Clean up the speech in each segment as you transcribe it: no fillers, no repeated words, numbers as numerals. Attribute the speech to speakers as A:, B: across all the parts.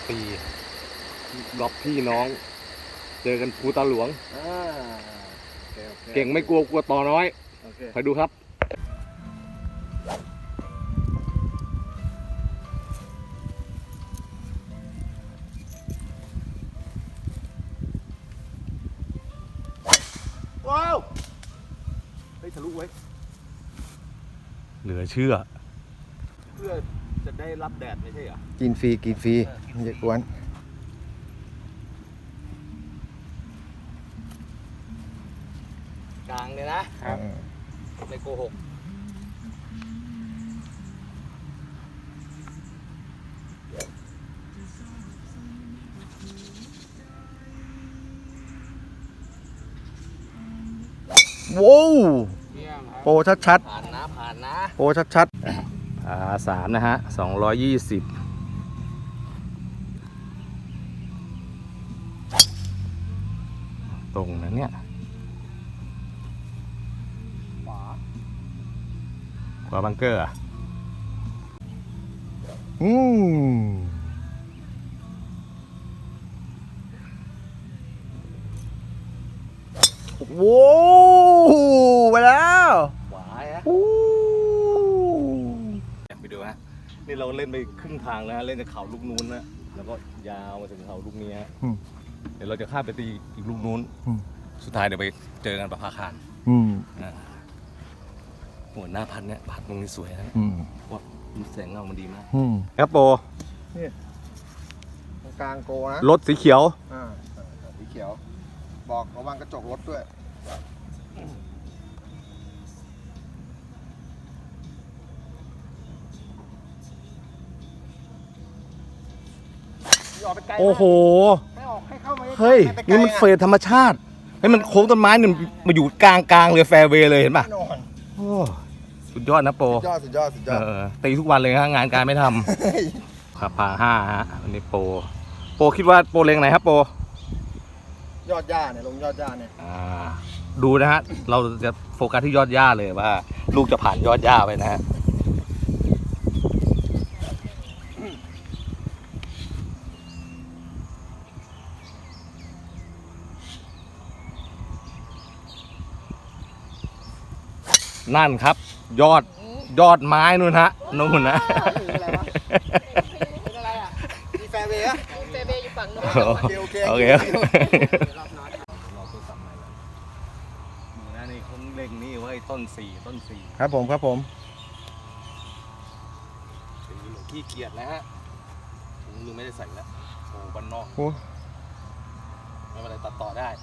A: ปีกอบพี่น้อง เจอกันภูตาหลวงเก่งไม่กลัวต่อน้อยไปดูครับ
B: ว้าวเฮ้ยทะลุไว้
A: เหลือเชื่อ
B: เพื่อจะได้รับแดดไม่ใช่เหรอ
C: กินฟรีอย่ากวน
B: กลางเลยนะครับไม่โกหก
C: ว้าวโปรชัด
B: ผ่านนะ
C: โปรชัด
A: 3นะฮะ220ตรงนั้นเนี่ยขวาบังเกอร์อ่ะ
C: ว้าวไปแล้ว
B: ขวาฮะ
A: ไปดูฮะนี่เราเล่นไปครึ่งทางแล้วเล่นจากเขาลูกนู้นนะแล้วก็ยาวมาถึงเขาลูกนี้ฮะเดี๋ยวเราจะข้ามไปตีอีกลูกนู้นสุดท้ายเดี๋ยวไปเจอกันประภาคารหัวหน้าพันเนี่ยพัดตรงนี้สวยนะว่าแสงเงามันดีมากครับโป
C: นี่ตรงกลางโกนะ
A: รถสีเขียว
C: สีเขียวบอกระวังกระจกรถด้วย
A: โอ้โห
C: เข้ามา
A: เฮ้ยนี่มันเฟรธรรมชาติให้มันโค้งต้นไม้เนี่ยมาอยู่กลางเลยแฟร์เวย์เลยเห็นป่ะโอ้สุดยอดนะโป
C: สุดยอด
A: ตีทุกวันเลยฮะงานการไม่ทำขับผ่า5ฮะวันนี้โปคิดว่าโปเล็งไหนครับโป
C: ยอดหญ้าเนี่ยลงยอดหญ้าเนี่ย
A: ดูนะฮะเราจะโฟกัสที่ยอดหญ้าเลยว่าลูกจะผ่านยอดหญ้าไปนะฮะนั่นครับยอดไม้นู่นฮะนู่นนะ
C: อะไรอ่ะมีแฟร์เวย์อะ
D: แฟร์เวย์อยู่ฝั่งนู้น
A: โอเคนี่เขาเล็งนี่ไว้ต้น4
C: ครับผม
A: หลวงขี้เกียจแล้วฮะลุงไม่ได้ใส่แล้วโอ้บ้านนอกไม่เป็นไรตัดต่อได้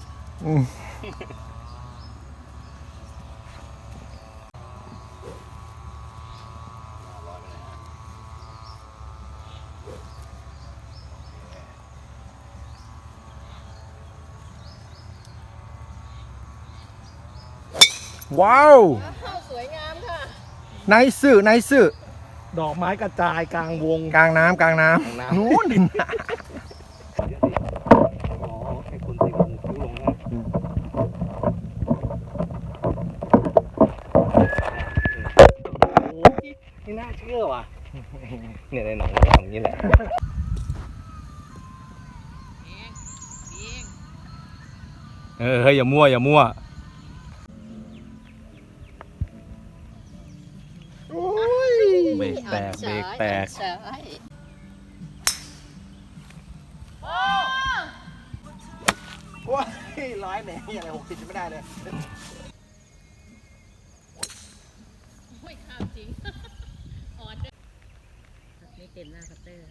C: ว้าว
D: สวยงามค่ะ
C: ไนซ์
A: ดอกไม้กระจายกลางวง
C: กลางน้ำนู้น
A: ให้คนตีลงคิ้วลงนะโอ้ไม่น่าเชื่อว่ะเนี่ยในหนังมันทำอย่างนี้แหละเฮ้ยอย่ามั่วเบรกแตก
C: ว้าย100เนี่ยอะไร60จะไม่ได้เลย
D: โอ้ยข้าวจริงออดด้วยไม่เต็มหน้าคัตเตอร์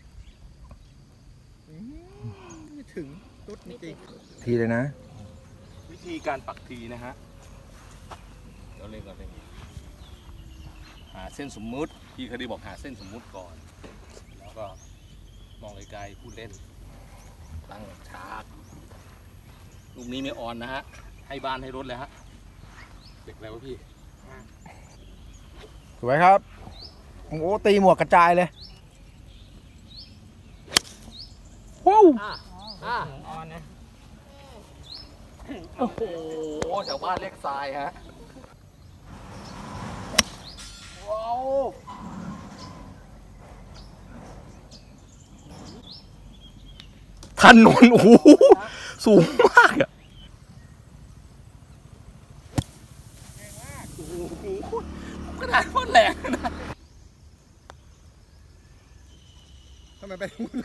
C: ถึงตุ๊ดจริงทีเลยนะ
A: วิธีการปักทีนะฮะเราเล่นก่อนเลยหาเส้นสมมุติพี่เคยได้บอกหาเส้นสมมุติก่อนแล้วก็มองไกลๆพูดเล่นตั้งฉากลูกนี้ไม่ออนนะฮะให้บ้านให้รถเลยฮะเด็กแล้วพี่
C: สวยครับโอ้ตีหมวกกระจายเลยว้าว
B: ออนนะ
A: โอ้โหแถวบ้านเล็กทรายฮะ
C: ว้าว
A: ถนนโอ้โหสูงมากอะโอ้โหขนาดโคตรแรงนะ
C: ทำไมไปทางนู้น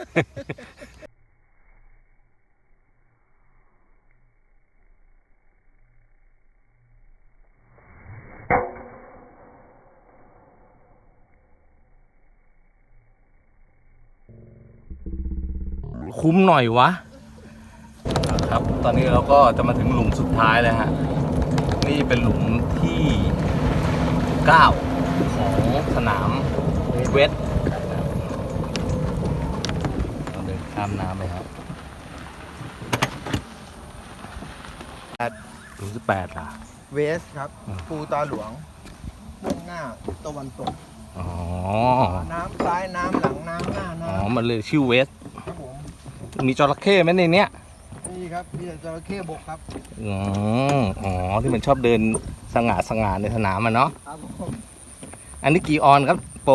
A: คุ้มหน่อยวะครับ ตอนนี้เราก็จะมาถึงหลุมสุดท้ายแล้วฮะ นี่เป็นหลุมที่ 9 ของสนามเวสเราเดินข้ามน้ำไปครับหลุม18ล่ะ
C: เวสครับ ภูตาหลวงมุ่งหน้าตะวันตก
A: อ๋อ
C: น้ำซ้ายน้ำหลังน้ำหน้า
A: อ๋อ
C: น้ำ
A: มันเลยชื่อเวส
C: ครับผม
A: มีจระเข้ไหมในเนี้ย
C: นี่ครับมีแต่จระเข้บกครับ
A: อ๋อ ที่มันชอบเดินสง่าในสนามอ่ะเนาะ
C: ครับผม
A: อันนี้กี่ออนครับโปร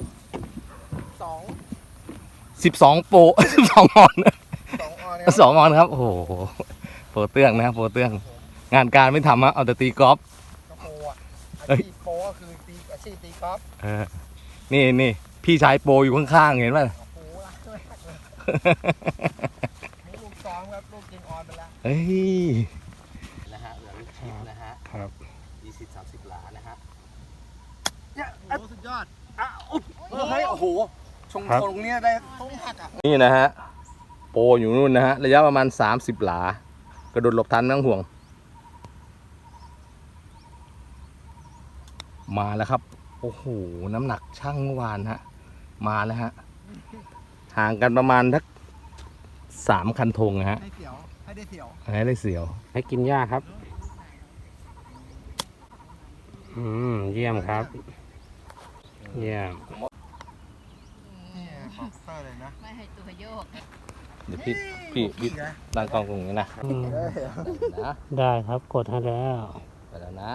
C: 2
A: 12 โปร 12 ออน
C: ออนครับ
A: 2 ออนครับ โอ้โหโปรเตื้องนะครับโปรเตื้อง งานการไม่ทำอะเอาแต่ตีกอล์ฟ
C: กระโปอ่ะ
A: เอ้
C: อาย ชีพโปก็คือตีอาชีพตีกอล์ฟ
A: นี่พี่ชายโปรอยู่ข้างๆเห็นป่ะ
C: โอ้โหรักมากเลยนี่ลูกซ้อมครับลูกกินออนไปแล้ว
A: เฮ้ย
B: นะฮะเหลือลูกชิปนะฮะ
A: ครับ
B: 20-30 หลานะฮะ
C: เนี่ยโอ้โหสุดยอด
A: เฮ้ยโอ้โหชง
C: ตรงเนี้ยได้ต้องหักอ่ะ
A: นี่นะฮะ โปรอยู่นู่นนะฮะ ระยะประมาณ 30 หลา กระโดดหลบทันไม่ต้องห่วง มาแล้วครับ โอ้โห น้ำหนักช่างเมื่อวานฮะ มาแล้วฮะ ห่างกันประมาณทัก3 คันธงนะฮะ
C: ให้เสียวให้ได้เสียว
A: ให้ได้เสียว
E: ให้กินหญ้าครับ เยี่ยมครับ เยี่ยม
C: นี่ของเตอร์เลยนะ
D: ไม่ให้ตัวโยก
A: เดี๋ยวพี่ตั้งกล้องตรงนี้นะ นะ
E: ได้ครับ กดให้แล้ว
A: ไปแล้วนะ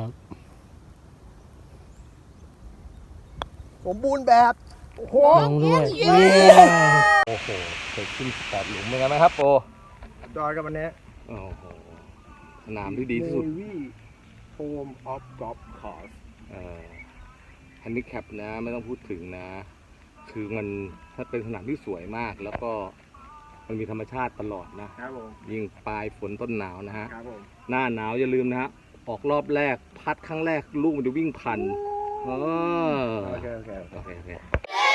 C: สมบูรณ์แบบโอ้โห
E: ลงด้วย
A: โอ้โหเคยขึ้น8 หลุมเหมือนกันไหมครับโปร
C: ดอยกับวันนี้
A: โอ้โห สนามที่ดีที่สุด
C: Navy Home of Golf Course
A: ฮันดิแคปนะไม่ต้องพูดถึงนะ คือมันถ้าเป็นสนามที่สวยมาก แล้วก็มันมีธรรมชาติตลอดนะ
C: ครับผม
A: ยิ่งปลายฝนต้นหนาวนะฮะ
C: ครับผม
A: หน้าหนาวอย่าลืมนะฮะ ออกรอบแรกพัดครั้งแรกลูกมันจะวิ่งพัน
C: โอเค
A: โอเค